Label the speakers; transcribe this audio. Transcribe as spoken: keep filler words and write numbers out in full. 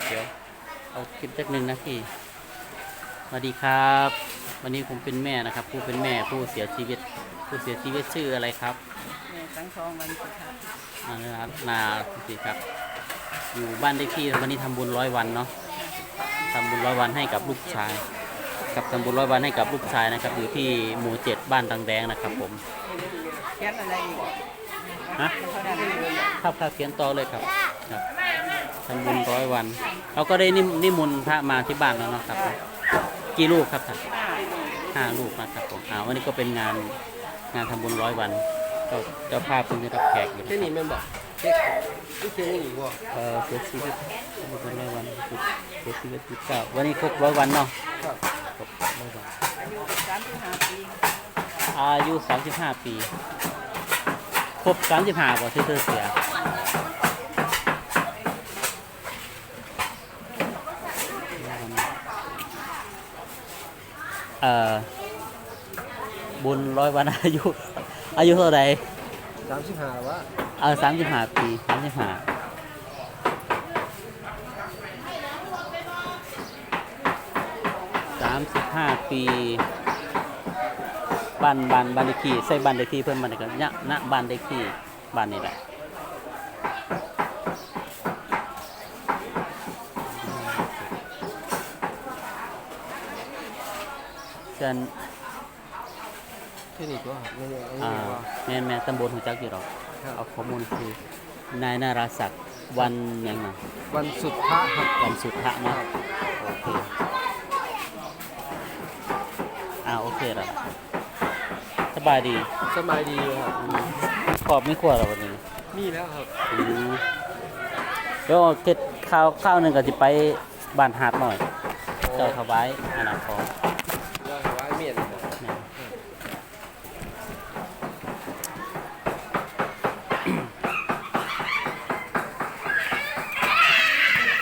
Speaker 1: เดี๋ยวเอาคลิปจักหนึ่งนาทีสวัสดีครับวันนี้ผมเป็นแม่นะครับ ผู้เป็นแม่ผู้เสียชีวิต ผู้เสียชีวิตชื่ออะไรครับ
Speaker 2: แม่สังทองวันสุดท้าย
Speaker 1: อ่านะครับนาสิครับอยู่บ้านเลขที่วันนี้ทำบุญร้อยวันเนาะทำบุญร้อยวันให้กับลูกชาย กับทำบุญร้อยวันให้กับลูกชายนะครับอยู่ที่หมู่เจ็ดบ้านตังแดงนะครับผม
Speaker 2: เขียนอะไรอีก
Speaker 1: ฮะภาพภาพเขียนต่อเลยครับครับทำบุญร้อยวันเราก็ได้นิมนิมนต์พระมาที่บ้านแล้วเนาะครับกี่ลูกครับท่านห้าลูกนะครับผมอ่าวันนี้ก็เป็นงานงานทำบุญร้อยวันก็เจ้าภาพเพิ่งได้รับแขกอยู่
Speaker 3: แค่นี้แม่นบอกเด็กไม่เคยอย่างนี้บ่
Speaker 1: เออเสียชีวิตทำบุญร้อยวันเสียชีวิตที่เก้าวันนี้ครบร้อยวันเนาะครบร้อยวัน
Speaker 2: อายุสามสิบห้าปี
Speaker 1: อายุสามสิบห้าปีครบสามสิบห้าบ่ที่เธอเสียเอ่อบุญร้อยวันอายุอายุเท่าไหร่
Speaker 3: สามสิบห้าวะ
Speaker 1: เออสามสิบห้าปีสามสิบห้าสามสิบห้าปีบ้านบ้านบ้านเลขที่ใส่บ้านเลขที่เพิ่นบ้านเลขที่เนี่ยณบ้านเลขที่บ้านนี่แหละเชิญ
Speaker 3: แค่นี้ก็ไม่ได้อัน
Speaker 1: อ่า
Speaker 3: นี้ว่า
Speaker 1: แม่แม่ตำบลหัวจักอยู่หรอก
Speaker 3: ครับ
Speaker 1: เอาข้อมูลคือนายนาราศักดิ์วันยังไง
Speaker 3: วันสุดพระครับ
Speaker 1: วันสุดทะเนาะโอเคอ่าโอเคแล้วสบายดี
Speaker 3: สบายดีครับ
Speaker 1: อืมขอบไม่ขวดหรอวันนี้
Speaker 3: มีแล้วครับ
Speaker 1: อืมเดี๋ยวเก็ดข้าวข้าวหนึ่งก็จะไปบ้านหาดหน่อย เจ้าถวายอันนั้นของ
Speaker 3: ยอดไว้เมียนครับ
Speaker 1: แม่